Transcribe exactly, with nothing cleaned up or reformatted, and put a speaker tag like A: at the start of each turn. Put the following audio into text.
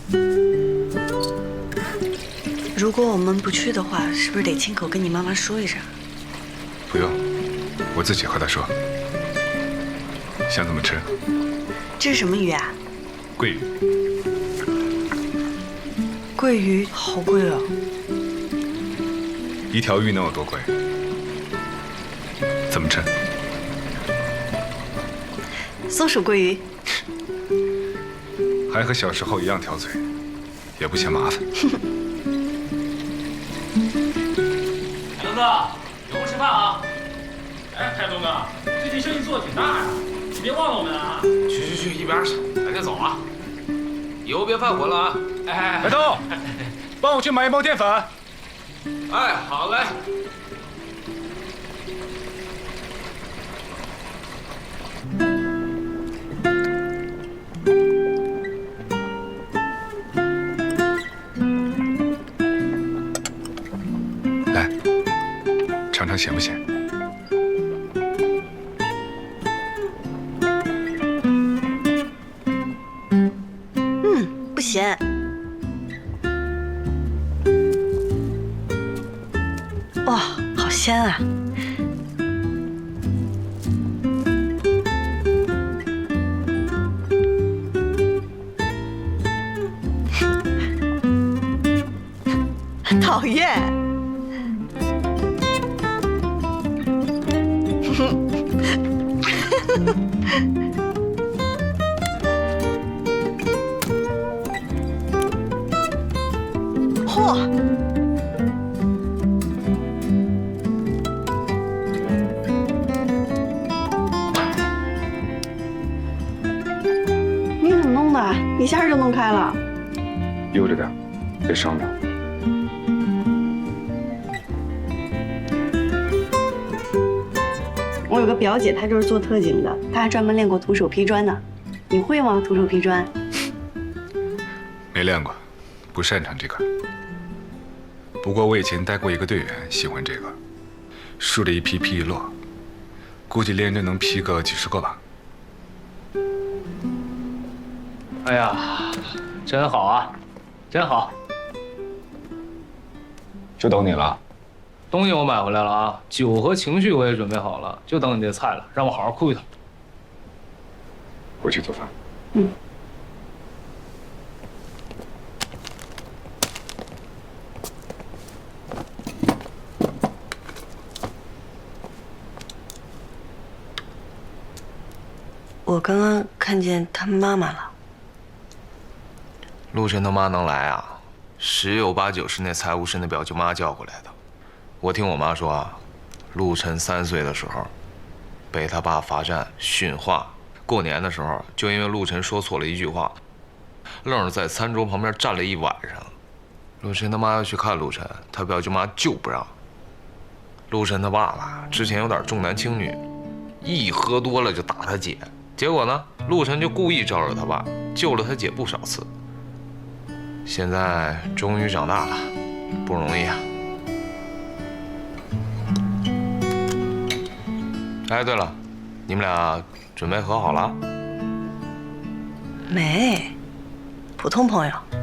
A: 如果我们不去的话，是不是得亲口跟你妈妈说一声？
B: 不用，我自己和她说。想怎么吃？
A: 这是什么鱼啊？
B: 桂鱼。
A: 桂鱼好贵哦。
B: 一条鱼能有多贵？怎么吃？
A: 松鼠桂鱼。
B: 还和小时候一样挑嘴，也不嫌麻烦。
C: 海东哥，有空吃饭啊！哎，海东哥，最近生意做的挺大呀，你别忘了我们啊！
D: 去去去，一边去，赶紧走啊！以后别犯浑了啊！
C: 哎哎，
B: 海东，帮我去买一包淀粉。
D: 哎，好嘞。
B: 来，尝尝咸不咸？
A: 嗯，不咸。哇，好鲜啊！讨厌。嚯！你怎么弄的？一下就弄开了。
B: 悠着点，别伤着。
A: 我有个表姐，她就是做特警的，她还专门练过徒手劈砖呢。你会吗？徒手劈砖？
B: 没练过，不擅长这个。不过我以前带过一个队员，喜欢这个，竖着一劈劈一摞，估计连着能劈个几十个吧。
C: 哎呀，真好啊，真好！
B: 就等你了。
C: 东西我买回来了啊，酒和情绪我也准备好了，就等你这菜了，让我好好哭一趟。
B: 回去做饭。
A: 嗯。我刚刚看见他妈妈了。
D: 陆晨他妈能来啊，十有八九是那财务室那表舅妈叫过来的。我听我妈说啊，陆晨三岁的时候，被他爸罚站训话。过年的时候，就因为陆晨说错了一句话，愣是在餐桌旁边站了一晚上。陆晨他妈要去看陆晨，他表舅妈就不让。陆晨他爸爸之前有点重男轻女，一喝多了就打他姐。结果呢，陆晨就故意招惹他爸，救了他姐不少次。现在终于长大了，不容易啊。哎，对了，你们俩准备和好了？
A: 没，普通朋友。